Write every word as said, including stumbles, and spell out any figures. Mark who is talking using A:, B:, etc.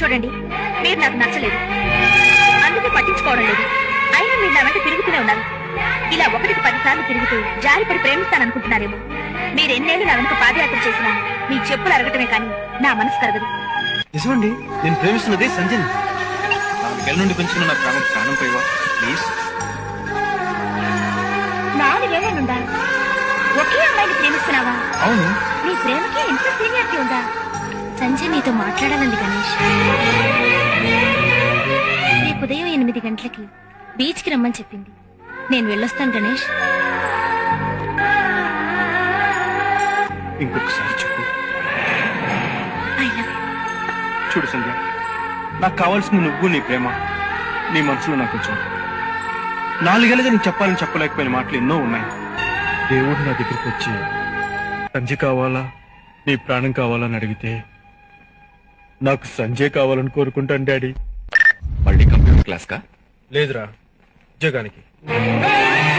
A: చూడండి, మీరు నాకు నచ్చలేదు, అందుకే పట్టించుకోవడం లేదు. అయినా మీరు నా వెంట తిరుగుతూనే ఉన్నారు. ఇలా ఒకటికి పదిసార్లు తిరుగుతూ జారిపడి ప్రేమిస్తాననుకుంటున్నారేమో. మీరు ఎన్నేళ్ళు నా వెనుక పాదయాత్ర చేసినా మీ చెప్పులు అరగటమే కానీ నా మనసు కరగదు.
B: నిజమండి, నేను ప్రేమిస్తున్నది సంజయ్. నాలుగేళ్ల నుండి పెంచుకున్న నా ప్రాణం ప్రాణం పోయివా ప్లీజ్.
A: నాలుగేళ్ల నుండా ఒకే అమ్మాయిని ప్రేమిస్తున్నావా?
B: అవును.
A: నీ ప్రేమకి ఎంత సీనియారిటీ ఉందా? సంజయ్ నీతో మాట్లాడాలండి గణేష్. రేపు ఉదయం ఎనిమిది గంటలకి బీచ్ కి రమ్మని చెప్పింది. నేను వెళ్ళొస్తాను గణేష్.
B: ఇంకొకసారి చెప్పు.
A: I love you.
B: చూడు సంధ్య, నాకు కావాల్సింది నువ్వు, నీ ప్రేమ, నీ మనసులో నాకు కొంచెం. నాలుగేళ్ళగా నీకు చెప్పాలని చెప్పలేకపోయిన మాటలు ఎన్నో ఉన్నాయి. దేవుడు నా దగ్గరికి వచ్చి సంజయ్ కావాలా, నీ ప్రాణం కావాలని అడిగితే నాకు సంజయ్ కావాలని కోరుకుంటాను డాడీ.
C: మళ్ళీ కంప్యూటర్ క్లాస్ కా?
B: లేదురా, ఉద్యోగానికి.